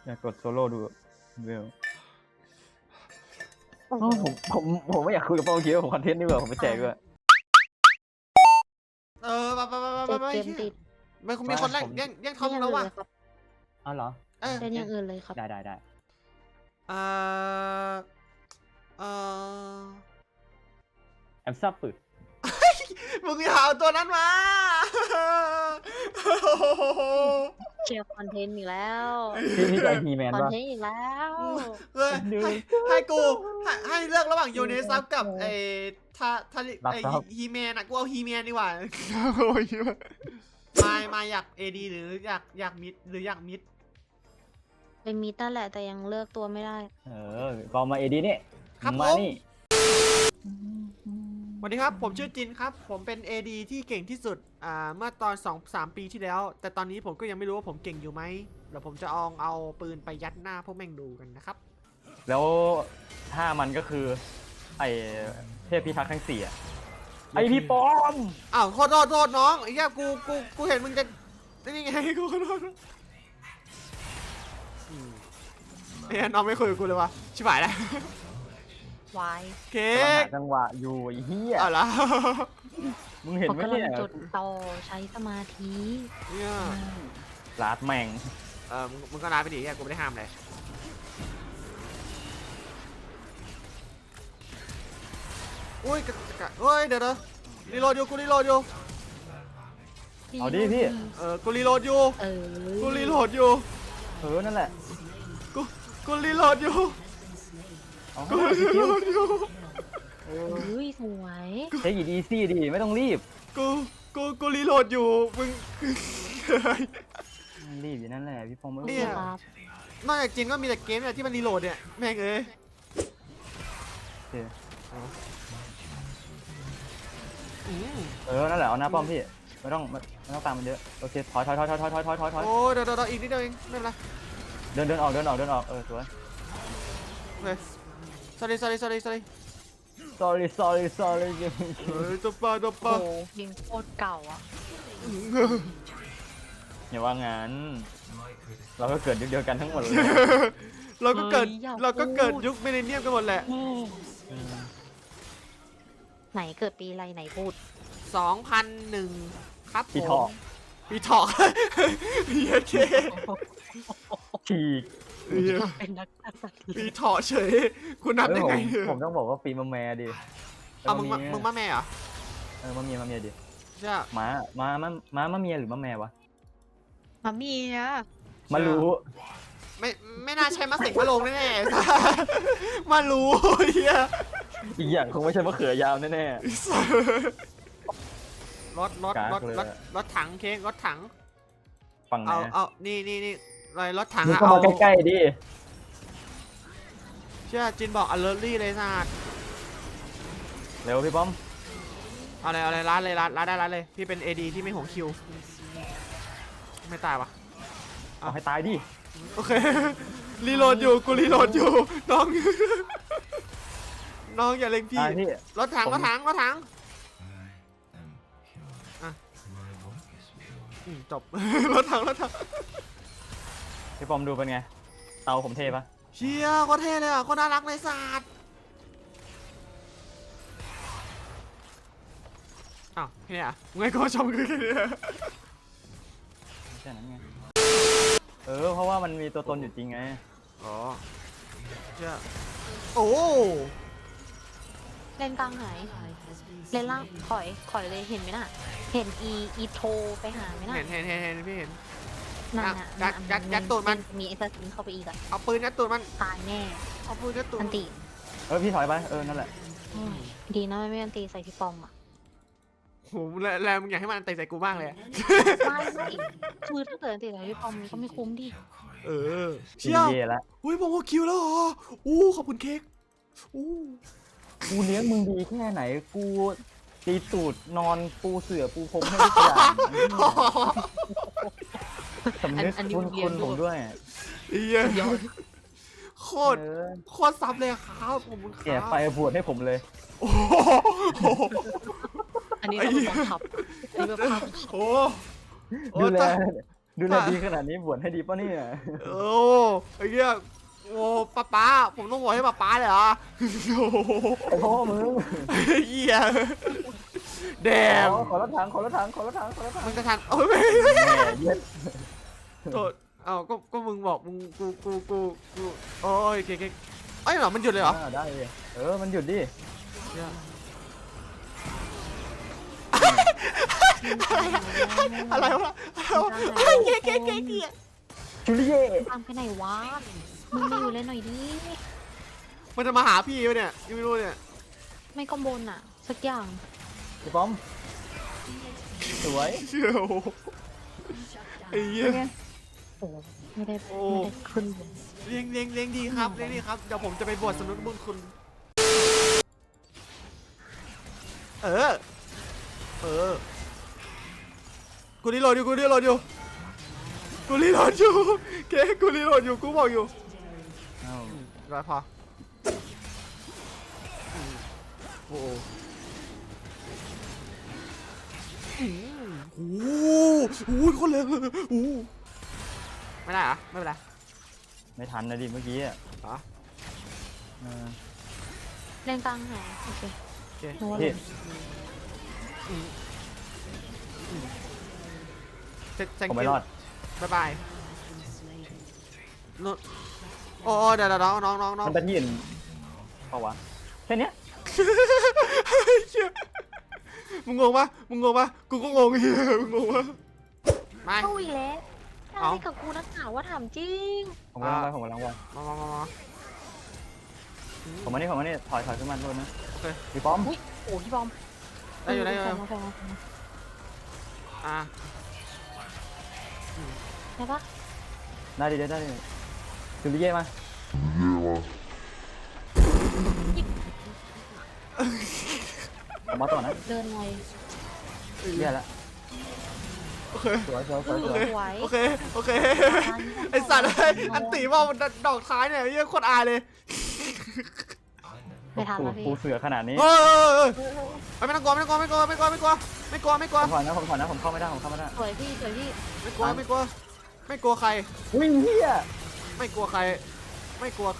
อยากกดโซโล่ดูเวลโอ้โหผมไม่อยากคุยกับโปรคิวผมคอนเทนต์นี่เบื่อผมไปแจกด้วยเจ็ดเกมติดมันคงมีคนแย่งทอมแล้วว่ะอ้าวเหรอเล่นอย่างอื่นเลยครับได้เอ่อเอ่อแอมซับปืดมึงอย่าเอาตัวนั้นมาเชียร์คอนเทนต์อีกแล้วพี่ใจฮีแมนคอนป่ะเทนต์อีกแล้วเฮ้ยให้กูให้เลือกระหว่างโยเนซับกับไอ้ฮีแมนอะกูเอาฮีแมนดีกว่ามาอยากเอดีหรืออยากมิดหรืออยากมิดเป็นมีตั้นแหละแต่ยังเลือกตัวไม่ได้ก็มาเอดีนี่ครับผมาม นี่สวัสดีครับผมชื่อจินครับผมเป็น AD ที่เก่งที่สุดเมื่อตอน 2-3 ปีที่แล้วแต่ตอนนี้ผมก็ยังไม่รู้ว่าผมเก่งอยู่ไหมเดี๋ยวผมจะเอาปืนไปยัดหน้าพวกแม่งดูกันนะครับแล้วถ้ามันก็คือไอเทพพิทักษ์ทั้ง4ไอพี่ปอมอ้าวโทษน้องไอ้เหี้ยกูเห็นมึงจะนี่ไงกูขอโทษไอ้เหี้ยน้องไม่คุยกับกูเลยวะชิบหายแล้ววายเค้กำลังหาก จังหวะอยู่ไอ้เหี้ยเอาละมึงเห็นเขาไหมกำลังเนี่ยจดต่อใช้สมาธิเนี่ยลาดแม่งมึงก็ร้ายไปดิเหี้ยกูไม่ได้ห้ามเลยอุ้ยเดี๋ยวรีโหลดอยู่กูรีโหลดอยู่เอาดิพี่กูรีโหลดอยู่ กูรีโหลดอยู่นั่นแหละกูรีโหลดอยู่เอากูรีโหลดอยู่เฮ้ยสวยใช้หยิบอีซี่ดิไม่ต้องรีบกูรีโหลดอยู่มึงรีบอยู่นั่นแหละพี่ปอมเนี่ยครับนอกจากจีนก็มีแต่เกมเนี่ยที่มันรีโหลดเนี่ยแม่งเอ้ยนั่นแหละเอาหน้าป้อมพี่ไม่ต้องตามมันเยอะโอเคถอยโอ้เดี๋ยวอีกนิดเดียวเองไม่เป็นไรเดินออกสวยโอเค sorry ตัวปลาโอ้โหเพลงโคตรเก่าอ่ะอย่าว่างั้นเราก็เกิดยุคเดียวกันทั้งหมดเลยเราก็เกิดยุคมิลเลนเนียมกันหมดแหละไหนเกิดปีอะไรไหนพูด 2001ครับพี่ถอกปีถอกเฮียเคฉีกเป็นนักสัตว์ปีถอกเฉยคุณนับได้ไงผมต้องบอกว่าปีมาแม่ดิเอามึงมาแม่เหรอมาเมียดิใช่มาเมียหรือมาแม่วะมามีอ่ะมารู้ไม่น่าใช่มาเสกมาลงแน่ๆมารู้เฮียอีกอย่างคงไม่ใช่มะเขือยาวแน่รถถังเค้กรถถังๆฝั่งไหนเอานี่รถถังมึงอะเข้ามาใกล้ๆดิเชื่อจินบอก alertly เลยสัตว์เร็วพี่ป้อมเอาเลยร้านเลยพี่เป็น AD ที่ไม่ห่วงคิวไม่ตายวะเอาให้ตายดิโอเครีโหลดอยู่กูรีโหลดอยู่น้องน้องอย่าเล็งพี่ตายพี่รถถังจบ รถถังพี่ป้อมดูเป็นไงเตาผมเทปะเชียก็เท่เลยอ่ะก็น่ารักเลยสัตว์อ้าวแค่นี้อ่ะไงก็ชมคือแค่นี้แค่นั้นไงเพราะว่ามันมีตัวตนอยู่จริงไงอ๋อเชื่อโอ้เล่นกลางไหนเล่นล่างถอยเลยเห็นไหมน่ะ เห็นอีโทไปหาไหมน่ะเห็นพี่เห็นนั่นน่ะยัดตูดมันมีไอ้สกินเข้าไปอีกอ่ะเอาปืนยัดตูดมันตายแน่เอาปืนยัดตูดอันติพี่ถอยไปนั่นแหละดีนะไม่อันตีใส่พี่ปอมอ่ะโหแล้วมึงอยากให้มันเตะใส่กูบ้างเลยไม่คือถ้าเกิดอันตีใส่พี่ปอมมันก็ไม่คุ้มดิเชี่ยวเย่ละอุ้ยผมว่าคิวแล้วเหรออู้ขอบคุณเค้กอู้กูเลี้ยงมึงดีแค่ไหนกูตีตูดนอนปูเสือปูพรมให้ทุกอย่างสำนึกคุณผมด้วยเหี้ยโคตรซับเลยครับผมคแกรับไปบวชให้ผมเลยโอ้อันนี้เราเป็นขับอันนี้แบบขับโหดูแลดูแลดีขนาดนี้บวชให้ดีป่ะเนี่ยโอ้ไอ้เหี้ยโอ้ป้าผมต้องบอกให้ป้าเลยเหรอโอ้โหไอ้พ่อมึงเหี้ยแดมขอรถถังขอรถถังขอรถถังขอรถถังมึงจะทันโอ้ยไม่แม่เย็ดโทษเอ้าก็มึงบอกมึงกูโอ้ยเก๊กเอ้ยเหรอมันหยุดเลยเหรอได้เลยมันหยุดดิเนี่ยอะไรวะเฮ้ยเก๊กจูเลียตามไปไหนวะมึงมาอยู่เล่นหน่อยดิมันจะมาหาพี่ปะเนี่ยยังไม่รู้เนี่ยไม่ก็บนอ่ะ สักอย่างพี่ป้อมสวยเชี่ยวไอ้เหี้ยโอ้ไม่ได้โอ้ไม่ได้ขึ้นบนเลี้ยงดีครับเลี้ยงดีครับเดี๋ยวผมจะไปบวชสำนึกบุญคุณเออกูรีโหลดอยู่เก๊กูรีโหลดอยู่กูบอกอยู่อ้าวร้อยพอโอ้โหโอ้โหคนเลยโอ้ไม่ได้เหรอไม่เป็นไรไม่ทันนะดิเมื่อกี้อ่ะเหรอเล่นกลางหายโอเคโอเคนึกว่าพี่เซ็งผมไม่รอดบ๊ายบายนู่นโอ้เดี๋ยวน้องมันเป็นที่อื่นเปล่าวะแค่เนี้ยเชี่ยมึงงงปะกูก็งงเฮียมึงงงปะไม่เข้าอีกแล้วเอ้าอะไรกับกูนักหนาว่าถามจริงผมกำลังไปผมกำลังไปมาผมมานี่ถอยขึ้นมาด้วยนะโอเคพี่ป้อมอุ้ยโอ้พี่บอมได้อยู่แฟนอ่ะได้ปะได้ดิจูเลียมาผมมาต่อนะเดินหน่อยเลียละโอเคสวยสวยโอเคไอสัตว์เลยอันตีว่ามันดอกท้ายเนี่ยเยี่ยโคตรอายเลยไม่ทันแล้วพี่ปูเสือขนาดนี้เออไม่ต้องกลัวผมถอยนะผมเข้าไม่ได้สวยพี่ไม่กลัวใครวิ่งเฮียไม่กลัวใครเออก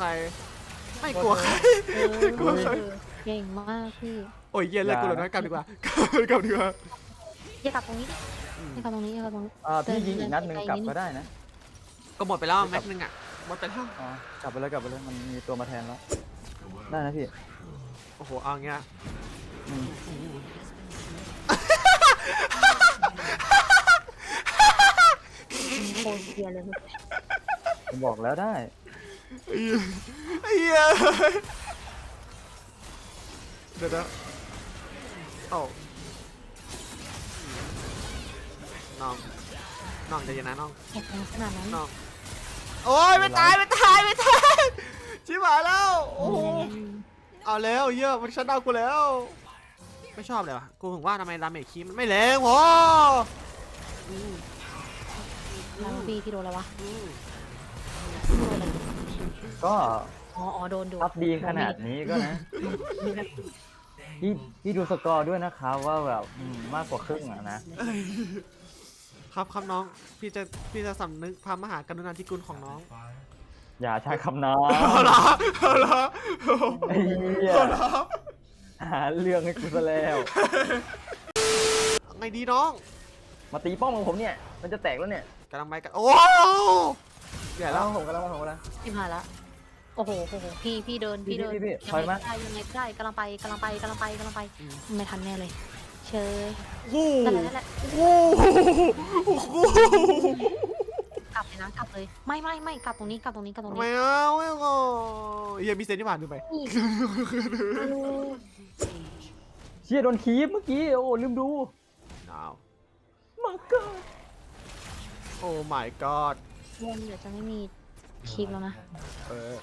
ลัวใครเก่งมากพี่โอ้ยเย็นเลยกูเลยนะกลับดีกว่าอย่ากลับตรงนี้ดิอย่ากลับตรงนี้พี่ยิงอีกนัดหนึ่งกลับก็ได้นะก็หมดไปแล้วแม็กนึงอ่ะหมดไปแล้วกลับไปเลยมันมีตัวมาแทนแล้วได้นะพี่โอ้โหเอาเงี้ยโคตรเกียร์เลยผมบอกแล้วได้ไอ้เหี้ยเดี๋ยวนะโอ้น้องใจเย็นนะน้องแข็งขนาดนั้นน้องโอ้ยไม่ตายชิบหายแล้วโอ้โหเอาแล้วเหี้ยมันชัดดาวน์กูแล้วไม่ชอบเลยว่ะกูถึงว่าทำไมดาเมจคีมันไม่แรงพอแล้วพี่โดนแล้ววะก็อ๋อโดนดูอัพดีขนาดนี้ก็นะพี่ดูสกอร์ด้วยนะครับว่าแบบมากกว่าครึ่งอ่ะนะครับน้องพี่จะสำนึกพระมหากรุณาธิคุณของน้องอย่าใช้คำน้อเอาละไอ้เหี้ยหาเรื่องให้กูซะแล้วไงดีน้องมาตีป้อมของผมเนี่ยมันจะแตกแล้วเนี่ยกำลังไปกันโอ้ใหญ่แล้แล้ว วผมก็แล้วชิบหายละโอ้โหพี่เดินพี่ยังถอยไงมาก็ได้กำลังไปไม่ทันแน่เลยเชยโอ้นั่นแหละโหกลับเลยนะกลับเลยไม่กลับตรงนี้ไม่เอาเฮียมีเซนที่ผ่านดูไปเชี่ยโดนคีบเมื่อกี้โอ้ลืมดูหนาวมังกรโอ้ my god เดี๋ยวจะไม่มีคลิปแล้วนะเออ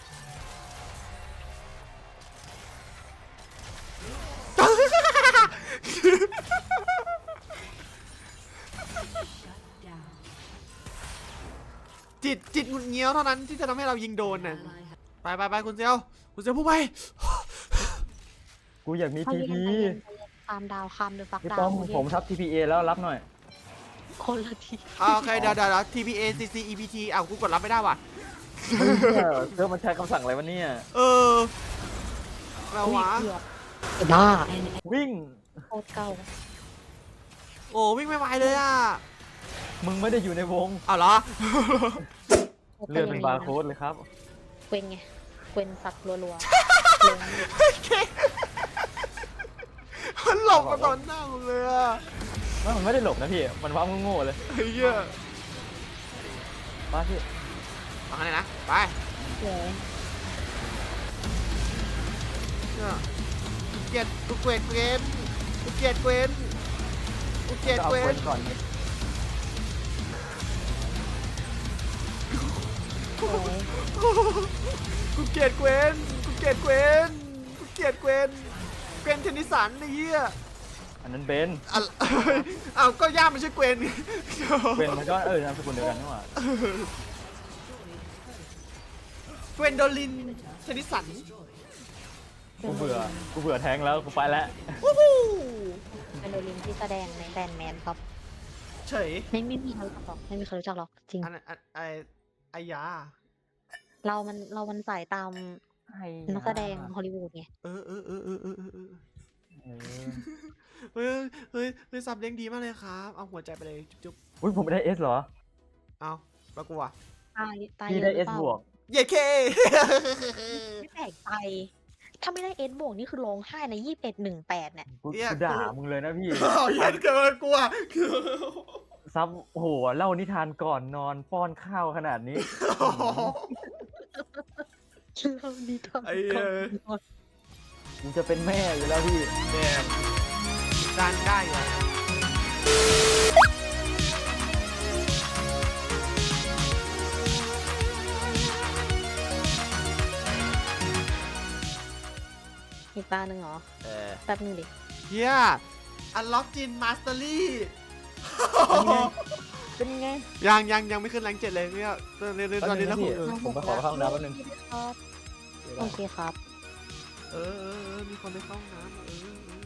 จิตหงุดเงี้ยวเท่านั้นที่จะทำให้เรายิงโดนน่ะไปคุณเซียวพูดไปกูอยากมีทีพีตามดาวคำเดือฟักพี่ดาป้อวมผมทับ TPA แล้วรับหน่อยคนละทีโอเคเดี๋ยวTPA CC EPT อ้าวกูกดรับไม่ได้ว่ะเพื่อมันใช้คำสั่งอะไรวะเนี่ยเออแล้ววะเกือบบ้าวิ่งโคตรเก่าโอ้วิ่งไม่ไหวเลยอ่ะมึงไม่ได้อยู่ในวงเอาเหรอเลือดเป็นบาร์โค้ดเลยครับเกวนไงเกวนสักรัวๆลงมันหลบมาตอนหน้ามึงเลยอ่ะมันไม่ได้หลบนะพี่ มันว้าโง่ๆเลยไอ้เหี้ยมาพี่เอาไงนะไปเลยเนี่ยกูเกลียดกูเกลียดเกวนกูเกลียดเกวนกูเกลียดก็เอาเกวเกวนนก่อนไงเลยกูเกลียดเกวนกูเกลียดเกวนกูเกลียดเกวนเกวนเทนนิสันไอ้เหี้ยอันนั้นเบนอะอ้าวก็ย่ามันชื่อเกวนเบนมันก็นามสกุลเดียวกันนี่หว่าเกวนโดลินเทนนิสันกูเบื่อแทงแล้วกูไปแล้ววู้ฮู้เป็นโดลินที่แสดงในแบนแมนครับเฉยไม่มีใครรู้จักหรอกไม่มีใครรู้จักหรอกจริงไอ้ยาเรามันสายตามนักแสดงฮอลลีวูดไงเออเออเฮ้ยเฮ้ยเฮ้ยซับเลี้ยงดีมากเลยครับ เอาหัวใจไปเลยจุ๊บอุ้ยผมไม่ได้เอสเหรอๆเอาแล้วกูอ่ะตายพี่เยได้อะหเอรือสเปล่าบวกเย้เคไม่แปลกใจถ้าไม่ได้เอสบวกนี่คือร้องไห้ใน2118เนี่ยกูด่ามึงเลยนะพี่เอาเย็นเกินกูอ่ะซับโอ้โหเล่านิทานก่อนนอนป้อนข้าวขนาดนี้เราดีทำไอ้เหี้ยมึงจะเป็นแม่อยู่แล้วพี่แดมดันได้เหรออีกตาหนึ่งเหรอเออแป๊บนึงดิเฮียอันล็อกจินมาสเตอรี่เป็นไงยังไม่ขึ้นแรง7เลยเนี่ยตอนนี้นะพี่คุณผมไปขอเข้าห้องน้ำแป๊บนึงโอเคครับเออมีคนไปเข้าห้องน้ำ